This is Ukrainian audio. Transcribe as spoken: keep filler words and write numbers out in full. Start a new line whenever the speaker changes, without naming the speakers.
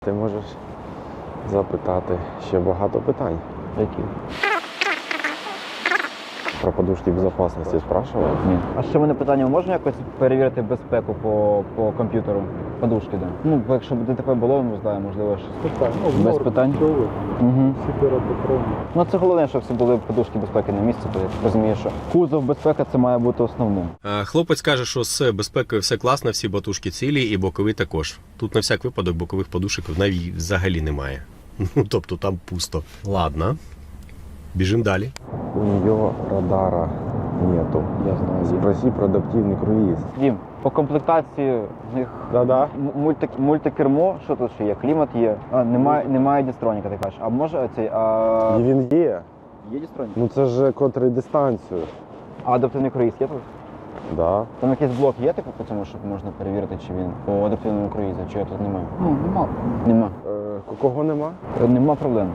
Ти можеш запитати ще багато питань.
Які?
Про подушки безпечності спрашивав?
Ні. А ще в мене питання, можна якось перевірити безпеку по, по комп'ютеру? Подушки, да. Ну, бо якщо б ДТП було, не знаю, можливо, щось.
Питань. Ну,
Без
норм,
питань?
чого ви?
Угу.
Всі патрони.
Ну це головне, щоб всі були подушки безпеки на місці, то я розумію, що кузов безпека це має бути основним.
Е, Хлопець каже, що з безпекою все класно, всі батушки цілі і бокові також. Тут на всяк випадок бокових подушок навіть взагалі немає. Ну, тобто там пусто. Ладно. Біжимо далі.
У нее радара нету.
Я знаю.
Спроси про адаптивний круїз.
Дім, по комплектації в них
Да-да.
м- мульти, мультикермо, що тут ще є? Клімат є. А, немає, немає дістроніка, ти кажеш. А може цей, а...
І він є.
Є дістронік?
Ну це ж котрий дистанцію.
А адаптивний круїз є тут?
Да.
Там якийсь блок є, типу, по цьому, щоб можна перевірити, чи він по адаптивному круїзу, чи його тут немає?
Ну, нема.
Нема.
Е, кого нема?
Е, Нема проблем.